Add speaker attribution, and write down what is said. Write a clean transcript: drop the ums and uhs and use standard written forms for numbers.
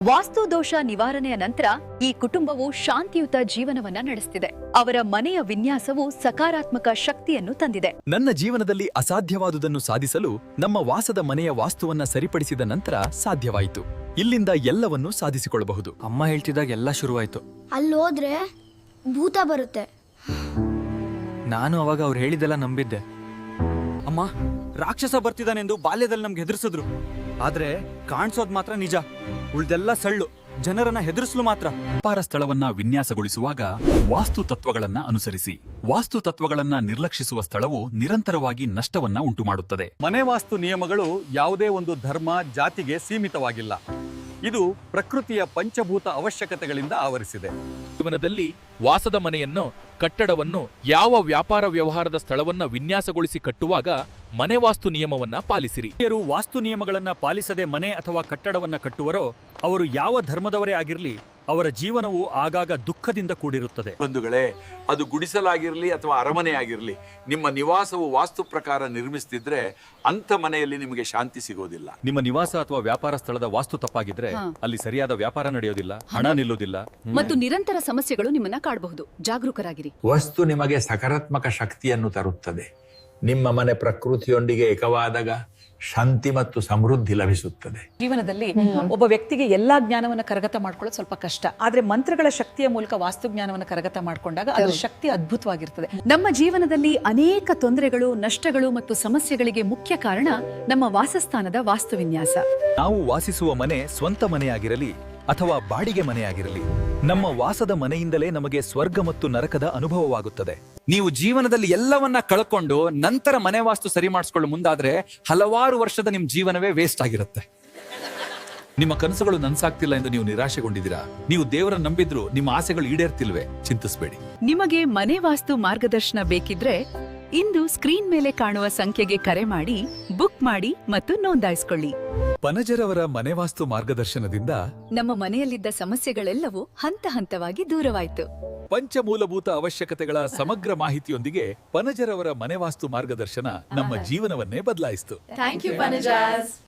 Speaker 1: ವಾಸ್ತು ದೋಷ ನಿವಾರಣೆಯ ನಂತರ ಈ ಕುಟುಂಬವು ಶಾಂತಿಯುತ ಜೀವನವನ್ನ ನಡೆಸುತ್ತಿದೆ. ಅವರ ಮನೆಯ ವಿನ್ಯಾಸವು ಸಕಾರಾತ್ಮಕ ಶಕ್ತಿಯನ್ನು ತಂದಿದೆ.
Speaker 2: ನನ್ನ ಜೀವನದಲ್ಲಿ ಅಸಾಧ್ಯವಾದುದನ್ನು ಸಾಧಿಸಲು ನಮ್ಮ ವಾಸದ ಮನೆಯ ವಾಸ್ತುವನ್ನ ಸರಿಪಡಿಸಿದ ನಂತರ ಸಾಧ್ಯವಾಯಿತು. ಇಲ್ಲಿಂದ ಎಲ್ಲವನ್ನೂ ಸಾಧಿಸಿಕೊಳ್ಳಬಹುದು.
Speaker 3: ಅಮ್ಮ ಹೇಳ್ತಿದ್ದಾಗ ಎಲ್ಲ ಶುರುವಾಯ್ತು.
Speaker 4: ಅಲ್ಲೋದ್ರೆ ಭೂತ ಬರುತ್ತೆ.
Speaker 3: ನಾನು ಅವಾಗ ಅವ್ರು ಹೇಳಿದ್ದೆಲ್ಲ ನಂಬಿದ್ದೆ. ಅಮ್ಮ ರಾಕ್ಷಸ ಬರ್ತಿದ್ದಾನೆಂದು ಬಾಲ್ಯದಲ್ಲಿ ನಮ್ಗೆ ಹೆದರ್ಸಿದ್ರು. ಆದ್ರೆ ಕಾಣಿಸೋದ್ ಮಾತ್ರ ನಿಜ. ಉಳ್ದೆಲ್ಲ ಸಳ್ಳು. ಜನರನ್ನ ಹೆದರ್ಸಲು ಮಾತ್ರ.
Speaker 2: ವ್ಯಾಪಾರ ಸ್ಥಳವನ್ನ ವಿನ್ಯಾಸಗೊಳಿಸುವಾಗ ವಾಸ್ತು ತತ್ವಗಳನ್ನ ಅನುಸರಿಸಿ. ವಾಸ್ತು ತತ್ವಗಳನ್ನ ನಿರ್ಲಕ್ಷಿಸುವ ಸ್ಥಳವು ನಿರಂತರವಾಗಿ ನಷ್ಟವನ್ನ ಉಂಟುಮಾಡುತ್ತದೆ.
Speaker 5: ಮನೆ ವಾಸ್ತು ನಿಯಮಗಳು ಯಾವುದೇ ಒಂದು ಧರ್ಮ ಜಾತಿಗೆ ಸೀಮಿತವಾಗಿಲ್ಲ. ಇದು ಪ್ರಕೃತಿಯ ಪಂಚಭೂತ ಅವಶ್ಯಕತೆಗಳಿಂದ ಆವರಿಸಿದೆ.
Speaker 6: ಜೀವನದಲ್ಲಿ ವಾಸದ ಮನೆಯನ್ನು, ಕಟ್ಟಡವನ್ನು, ಯಾವ ವ್ಯಾಪಾರ ವ್ಯವಹಾರದ ಸ್ಥಳವನ್ನ ವಿನ್ಯಾಸಗೊಳಿಸಿ ಕಟ್ಟುವಾಗ ಮನೆ ವಾಸ್ತು ನಿಯಮವನ್ನ ಪಾಲಿಸಿರಿ.
Speaker 5: ಯಾರು ವಾಸ್ತು ನಿಯಮಗಳನ್ನ ಪಾಲಿಸದೆ ಮನೆ ಅಥವಾ ಕಟ್ಟಡವನ್ನ ಕಟ್ಟುವರೋ ಅವರು ಯಾವ ಧರ್ಮದವರೇ ಆಗಿರಲಿ, ಅವರ ಜೀವನವು ಆಗಾಗ ದುಃಖದಿಂದ ಕೂಡಿರುತ್ತದೆ.
Speaker 7: ಬಂಧುಗಳೇ, ಅದು ಗುಡಿಸಲಾಗಿರಲಿ ಅಥವಾ ಅರಮನೆ ಆಗಿರಲಿ, ನಿಮ್ಮ ನಿವಾಸವು ವಾಸ್ತು ಪ್ರಕಾರ ನಿರ್ಮಿಸ್ತಿದ್ರೆ ಅಂಥ ಮನೆಯಲ್ಲಿ ನಿಮಗೆ ಶಾಂತಿ ಸಿಗೋದಿಲ್ಲ.
Speaker 5: ನಿಮ್ಮ ನಿವಾಸ ಅಥವಾ ವ್ಯಾಪಾರ ಸ್ಥಳದ ವಾಸ್ತು ತಪ್ಪಾಗಿದ್ರೆ ಅಲ್ಲಿ ಸರಿಯಾದ ವ್ಯಾಪಾರ ನಡೆಯೋದಿಲ್ಲ, ಹಣ ನಿಲ್ಲೋದಿಲ್ಲ.
Speaker 1: ಮತ್ತು ನಿರಂತರ ಸಮಸ್ಯೆಗಳು ನಿಮ್ಮನ್ನ ಕಾಡಬಹುದು. ಜಾಗರೂಕರಾಗಿರಿ.
Speaker 8: ವಸ್ತು ನಿಮಗೆ ಸಕಾರಾತ್ಮಕ ಶಕ್ತಿಯನ್ನು ತರುತ್ತದೆ. ನಿಮ್ಮ ಮನೆ ಪ್ರಕೃತಿಯೊಂದಿಗೆ ಏಕವಾದಾಗ ಶಾಂತಿ ಮತ್ತು ಸಮೃದ್ಧಿ ಲಭಿಸುತ್ತದೆ.
Speaker 9: ಜೀವನದಲ್ಲಿ ಒಬ್ಬ ವ್ಯಕ್ತಿಗೆ ಎಲ್ಲಾ ಜ್ಞಾನವನ್ನ ಕರಗತ ಮಾಡ್ಕೊಳ್ಳೋದು ಸ್ವಲ್ಪ ಕಷ್ಟ. ಆದ್ರೆ ಮಂತ್ರಗಳ ಶಕ್ತಿಯ ಮೂಲಕ ವಾಸ್ತು ಜ್ಞಾನವನ್ನ ಕರಗತ ಮಾಡ್ಕೊಂಡಾಗ ಅದರ ಶಕ್ತಿ ಅದ್ಭುತವಾಗಿರ್ತದೆ.
Speaker 1: ನಮ್ಮ ಜೀವನದಲ್ಲಿ ಅನೇಕ ತೊಂದರೆಗಳು, ನಷ್ಟಗಳು ಮತ್ತು ಸಮಸ್ಯೆಗಳಿಗೆ ಮುಖ್ಯ ಕಾರಣ ನಮ್ಮ ವಾಸಸ್ಥಾನದ ವಾಸ್ತು ವಿನ್ಯಾಸ.
Speaker 2: ನಾವು ವಾಸಿಸುವ ಮನೆ ಸ್ವಂತ ಮನೆಯಾಗಿರಲಿ ಅಥವಾ ಬಾಡಿಗೆ ಮನೆಯಾಗಿರಲಿ, ನಮ್ಮ ವಾಸದ ಮನೆಯಿಂದಲೇ ನಮಗೆ ಸ್ವರ್ಗ ಮತ್ತು ನರಕದ ಅನುಭವವಾಗುತ್ತದೆ.
Speaker 3: ನೀವು ಜೀವನದಲ್ಲಿ ಎಲ್ಲವನ್ನ ಕಳ್ಕೊಂಡು ನಂತರ ಮನೆ ವಾಸ್ತು ಸರಿ ಮಾಡಿಸ್ಕೊಳ್ಳೋ ಮುಂದಾದ್ರೆ ಹಲವಾರು ವರ್ಷದ ನಿಮ್ ಜೀವನವೇ ವೇಸ್ಟ್ ಆಗಿರುತ್ತೆ.
Speaker 2: ನಿಮ್ಮ ಕನಸುಗಳು ನನ್ಸಾಗ್ತಿಲ್ಲ ಎಂದು ನೀವು ನಿರಾಶೆಗೊಂಡಿದ್ದೀರಾ? ನೀವು ದೇವರನ್ನು ನಂಬಿದ್ರು ನಿಮ್ಮ ಆಸೆಗಳು ಈಡೇರ್ತಿಲ್ವೇ? ಚಿಂತಿಸಬೇಡಿ.
Speaker 1: ನಿಮಗೆ ಮನೆ ವಾಸ್ತು ಮಾರ್ಗದರ್ಶನ ಬೇಕಿದ್ರೆ ಇಂದು ಸ್ಕ್ರೀನ್ ಮೇಲೆ ಕಾಣುವ ಸಂಖ್ಯೆಗೆ ಕರೆ ಮಾಡಿ, ಬುಕ್ ಮಾಡಿ ಮತ್ತು ನೋಂದಾಯಿಸಿಕೊಳ್ಳಿ.
Speaker 2: ಪನಜರವರ ಮನೆ ವಾಸ್ತು ಮಾರ್ಗದರ್ಶನದಿಂದ
Speaker 1: ನಮ್ಮ ಮನೆಯಲ್ಲಿದ್ದ ಸಮಸ್ಯೆಗಳೆಲ್ಲವೂ ಹಂತ ಹಂತವಾಗಿ ದೂರವಾಯಿತು.
Speaker 2: ಪಂಚಮೂಲಭೂತ ಅವಶ್ಯಕತೆಗಳ ಸಮಗ್ರ ಮಾಹಿತಿಯೊಂದಿಗೆ ಪನಜರವರ ಮನೆ ವಾಸ್ತು ಮಾರ್ಗದರ್ಶನ ನಮ್ಮ ಜೀವನವನ್ನೇ ಬದಲಾಯಿಸಿತು.
Speaker 1: Thank you ಪನಜಾಸ್.